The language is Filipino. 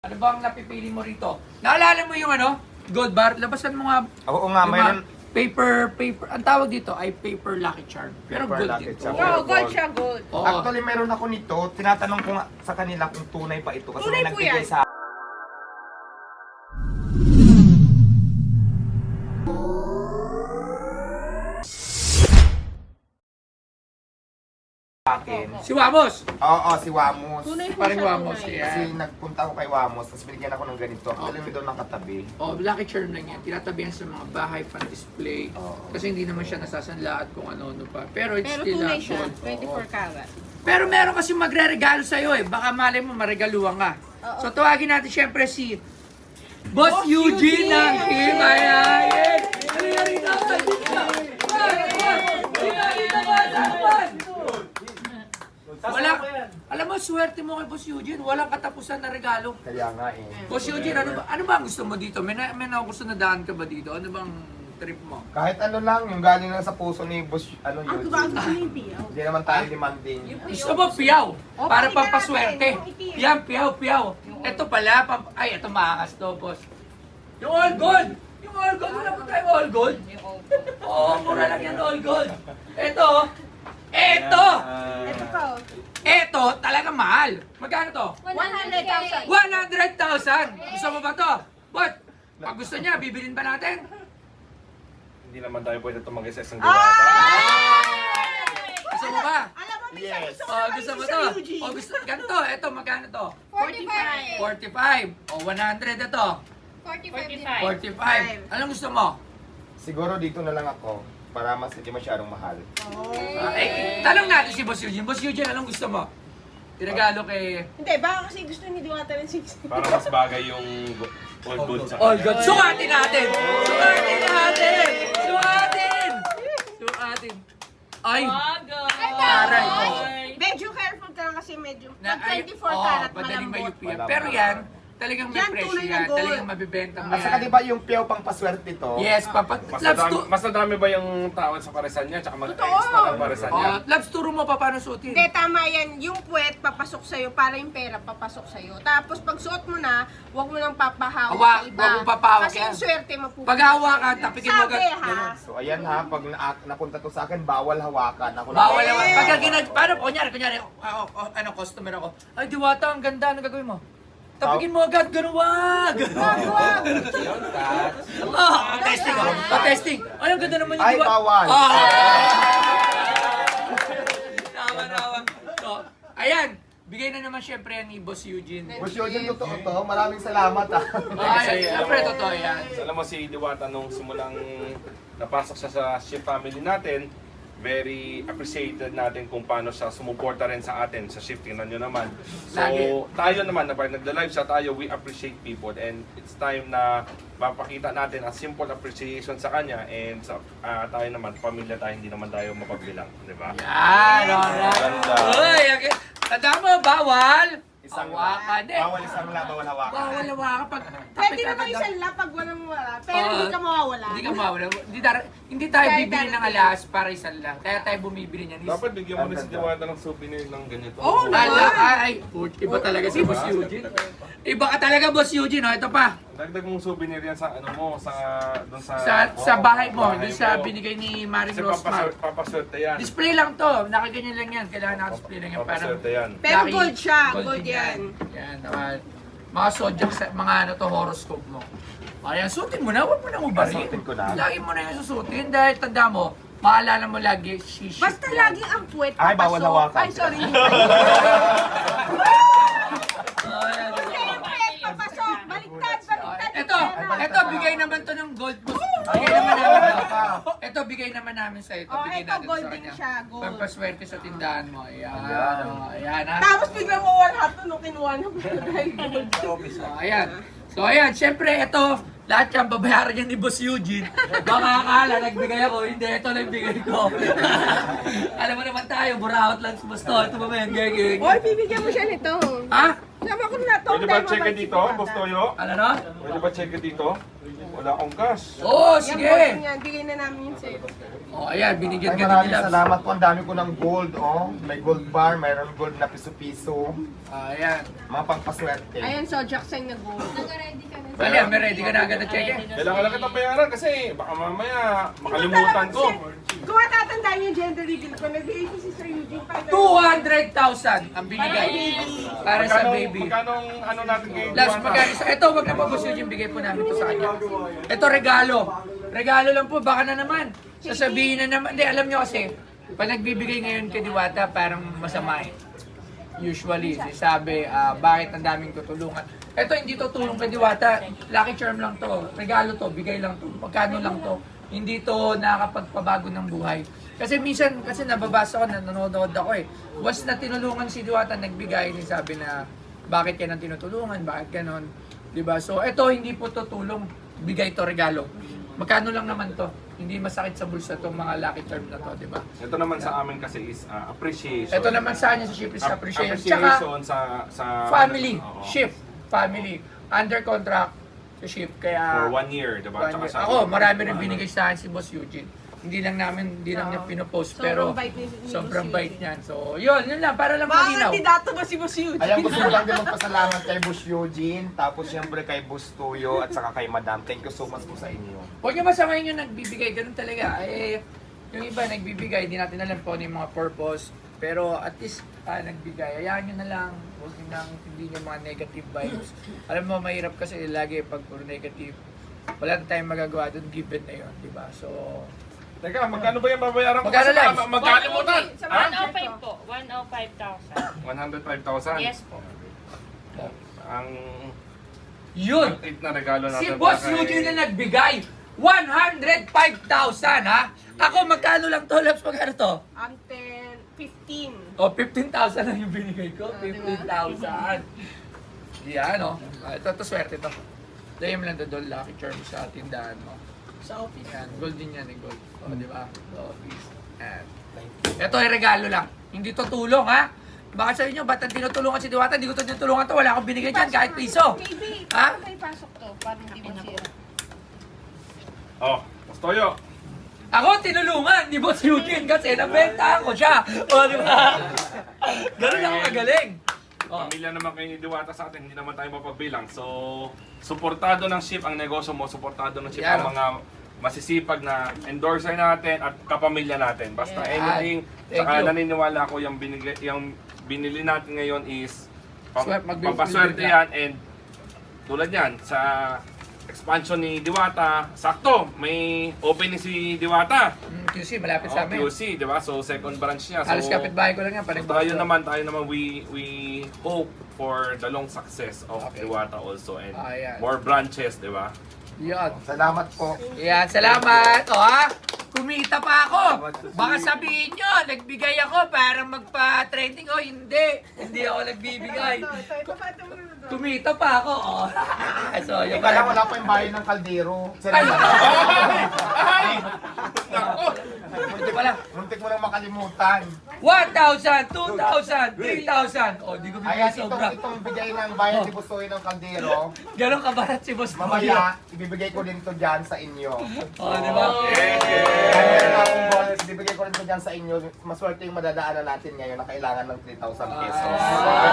Ano ba ang napipili mo rito? Naalala mo yung ano? Gold bar? Labasan mo nga. Oo nga, yung mayroon. paper. Ang tawag dito ay paper Lucky Charm. Pero Paper gold Lucky dito. Charm. Oo, gold siya, gold. Oo. Actually, meron ako nito. Tinatanong ko nga sa kanila kung tunay pa ito. Kasi Tunay may po nagbigay yan. sa akin. Si Wamos! Oo, si Wamos. Tunay po Parang siya, Wamos, tunay. yeah. Kasi nagpunta ako kay Wamos, tapos binigyan ako ng ganito. Actually, may doon nakatabi. Oh, Lucky Charm lang yan. Tinatabihan sa mga bahay pan display. Oo. Kasi hindi naman siya nasasanla at kung ano-ano pa. Pero it's Pero still tunay a siya, gold. 24 karat. Pero meron kasi magre-regalo sa'yo eh. Baka malay mo, maregaluhan ka. Oo. So tawagin natin syempre si Boss Eugene ng Himayayan! Halika rito! Wala, alam mo, swerte mo kay Boss Eugene. Walang katapusan na regalo. Kaya nga eh. Boss Eugene, ano ba ang gusto mo dito? May gusto na daan ka ba dito? Ano bang trip mo? Kahit ano lang, yung galing lang sa puso ni Boss, ano Ang yun. bago sa hindi. Hindi naman tayo demanding. Gusto mo piyaw? Para pakita pampaswerte. natin, yung itim. Yan, piyaw. Ito pala, ay, ito makakas to, boss. Yung all gold! Yung all gold, wala po tayo all gold. Oo, mura lang yan all gold. Ito, Ito pa, oh. ito, talaga mahal. Magkano to? 100,000. 100,000! Gusto mo ba to? But, pag gusto niya, bibilin ba natin? Hindi naman tayo pwede tumanggi sa isang Ah! diwata. Gusto mo ba? Alam mo, may Yes. gusto Oh, gusto mo sa to? Eugene. Oh, gusto, ganito, ito, magkano to? 45. 45. O, 100 ito. 45. Anong gusto mo? Siguro dito na lang ako, para mas hindi masyadong mahal. Tanong natin si Boss Eugene. Boss Eugene, anong gusto mo? Tinagalo kay Hindi, baka kasi gusto ni Diwata ng 6. Para mas bagay yung old gold sa All kanya. God. Sukatin natin! Sukatin natin! Sukatin! Sukatin! Ay! Aray ko. Medyo careful ka lang kasi medyo. Na, Pag ay, 24 karat, madaling malambot. mayupi yan. Malambot. Pero yan, talagang may Yan, presyo tunay na yan. gold. Talagang mabibenta mo At saka yan. di ba yung piyaw pang paswerte to? Yes, Mas nadami ba yung tawad sa paresan niya? Tsaka Totoo. mag-extra ng paresan niya? Labs, turo mo pa paano suotin. Hindi, tama yan. Yung puwet, papasok sa'yo para yung pera papasok sa'yo. Tapos pag suot mo na, huwag mo nang papahawak sa iba. Huwag mo papahawak Kasi yan. yung swerte mapupunta. Pag hawakan, tapikin mo Sabi agad. ha. So ayan ha, pag napunta to sa akin, bawal hawakan. Ako Bawal na. naman. Pagka paano, kunyari, ano, customer ako. Ay, Diwata, ang ganda. Ano gagawin mo? Tapikin mo agad, ganun wag! Testing ako. Testing. Ay, ang ganda naman yung Ay, Diwata. bawal. Tama. So, ayan. Bigay na naman syempre yan ni Boss Eugene. Boss Eugene, totoo to. Maraming salamat ha. Ay, syempre, totoo yan. Alam mo si Diwata nung simulang napasok siya sa shift family natin, very appreciated natin kung paano siya sumuporta rin sa atin sa shift. Tingnan nyo naman. So, Lagi. tayo naman, na pag nagda-live siya tayo, we appreciate people and it's time na mapakita natin a simple appreciation sa kanya and sa tayo naman, pamilya tayo, hindi naman tayo mapagbilang, di ba? Yan, alright. Ganda. Uy, okay. Tanda mo, bawal. Isang Hawakan eh. Bawal isang la, bawal hawakan. Bawal hawakan pag Pwede tapik naman agad. isang lapag walang wala. Pero hindi ka mawawala. Hindi ka mawala. Hindi tayo Kahit bibili ng darating. alas para isang lang. Kaya tayo bumibili niyan. Dapat bigyan mo rin si Diwata ng souvenir ng ganito. Oo, Iba talaga si Boss Eugene. Iba ka talaga, Boss Eugene. Oh, ito pa. Dagdag mong souvenir yan sa ano mo, doon Sa bahay mo, bahay doon sa mo. binigay ni Maring Kasi Rosmar. papaswerte yan. Display lang to. Nakaganyan lang yan. Kailangan naka-display lang yan. Parang Papaswerte yan. Pero Lucky. gold siya, Gold gold din yan. Yan, mga zodiac, mga ano to, horoscope mo. Ayan, suotin mo na. Huwag mo nang ubarin. Suotin ko na. Lagi mo na yung susutin dahil tanda mo, maalala mo lagi, shiship Basta yan. lagi ang puwet Ay, bawal papasok. hawakan. Ay, sorry. Ayan. Basta yung puwet papasok. Baliktad. Ito, bigay naman to ng gold mo. Bigay naman namin to. Ito, bigay naman namin sa ito. Oh, Bigay ito, natin gold sa din kanya. siya, gold. Pampaswerte sa tindahan mo. Ayan, Ayan. ayan ha. Tapos biglang mo one hat nung kinuha na mo dahil gold. So, ayan. So, ayan. Siyempre, ito, lahat yan, babayaran yan ni Boss Eugene. Baka akala, nagbigay ako. Hindi, ito lang bigay ko. Alam mo naman tayo, buraot lang si Boss to. Ito ba yan, gagawin? Oy, bibigyan mo siya nito. Ha? Sama ko na to. Pwede ba check it dito, Boss Toyo? Ano no? Pwede ba check it dito? Wala akong cash. Oo, Yan, sige. gold yan. Bigay na namin yun sa'yo. Oh, ayan, binigyan Ay, ka din maraming nila. salamat po. Ang dami ko ng gold, oh. May gold bar, mayroon gold na piso-piso. Ayan. Mga pangpaswerte. Ayan, so Jackson na go. Nag-ready ka na. Ayan, may ready ka na agad na check eh. Kailangan lang kitang bayaran kasi baka mamaya makalimutan ko. Kung matatandaan yung gender reveal ko, nagbigay ko si Sir Eugene para 200,000 ang binigay para sa baby. Magkano ano natin kay Last Duwata? magkano sa ito, wag na po boss yung bigay po namin to sa kanya. Ito regalo. Regalo lang po, baka na naman. Sasabihin na naman, hindi alam nyo kasi, pag nagbibigay ngayon kay Diwata, parang masama eh. Usually, sabi, bakit ang daming tutulungan. Ito hindi to tulong kay Diwata, lucky charm lang to, regalo to, bigay lang to, magkano lang to. Hindi to nakakapagpabago ng buhay. Kasi minsan, kasi nababasa ko, nanonood ako eh. Once na tinulungan si Diwata, nagbigay, sabi na, bakit ka nang tinutulungan, bakit ganon. Diba? So, ito hindi po to tulong, bigay to regalo. Magkano lang naman to? Hindi masakit sa bulsa tong mga lucky charm na to, diba? Ito naman sa amin kasi is appreciation. Ito naman sa kanya sa ship is appreciation. Tsaka, Appreciation sa family, Oo. shift, family, under contract sa ship. Kaya, For 1 year, diba? one Tsaka year. sa- Ako, marami rin binigay sa akin si Boss Eugene. Hindi lang niya pinopost, pero Sobrang bait ni sobrang Boss bait Eugene. niyan. So, yun lang, para lang Mga malinaw. kandidato ba si Boss Eugene? Ayan, gusto ko lang din magpasalamat kay Boss Eugene, tapos siyempre kay Boss Tuyo, at saka kay Madam. Thank you so much po sa inyo. Huwag niyo masamahin yung nagbibigay, ganun talaga. Eh, yung iba nagbibigay, hindi natin alam po ano yung mga purpose. Pero at least nagbigay, hayaan nyo na lang. Huwag nyo nang hindi nyo mga negative vibes. Alam mo, mahirap kasi lagi pag puro negative. Wala na tayong magagawa doon, given na yun, di ba? So, Teka, magkano ba yung babayaran ko? Magkano Kasi live? baka magkalimutan. Sa Ha? 105 po. 105,000. 105,000. Yes po. Ang yun! tit na regalo natin. Si Boss para kay- Eugene na nagbigay, 105,000 ha? Ako, magkano lang to, Labs? Magkano to? 15. O, 15,000 lang yung binigay ko. 15,000. Yan, o. Ito, swerte to. Dahil mo lang doon, lucky charm sa tindahan mo. Sa office. Yan, gold din yan, gold. O, di ba? Sa office. Yan. Ito ay regalo lang. Hindi to tulong, ha? Baka sa inyo, ba't ang tinutulungan si Diwata? Hindi ko to tinutulungan to. Wala akong binigay dyan, kahit piso. Maybe, Ha? may pasok to para hindi masira. Oh, Boss Toyo. Ako tinulungan ni Boss Eugene kasi nabenta ko siya. O, di ba? Ganun ako kagaling. Oh. Pamilya naman kayo ni Diwata sa atin, hindi naman tayo mapagbilang. So, suportado ng ship ang negosyo mo, suportado ng ship Yan. ang mga masisipag na endorser natin at kapamilya natin. Basta Yan. anything, Thank saka you. naniniwala ko yung binili natin ngayon is pampaswerte magbibigay yan, and tulad yan sa expansion ni Diwata, sakto, may opening si Diwata. QC, malapit sa amin. QC, di ba? So, second branch niya. Halos So, kapitbahay ko lang yan. so, Parang tayo naman, we hope for the long success of Okay. Diwata also and Ayan. more branches, di ba? Yan. Salamat po. Yan, salamat. O ha, kumita pa ako. Baka sabihin nyo, nagbigay ako para magpa-trending. O hindi, hindi ako nagbibigay. Ito pa ito muna doon. Kumita pa ako. O. So, yung Ika lang, wala pa yung bayan ng kaldero. Ay! Ay! Nako! Muntik pala. Muntik mo nang makalimutan. 1,000, 2,000, 3,000. O, di ko bibigay Ayan, sobra. itong bigay ng bayan ni Bustoy ng kaldero. Ganon kabarat si Boss Toyo. Mamaya, ibibigay ko din to dyan sa inyo. O, di ba? Meron akong balls, ibibigay ko rin to dyan sa inyo. Maswerte yung madadaanan natin ngayon na kailangan ng 3,000 pesos.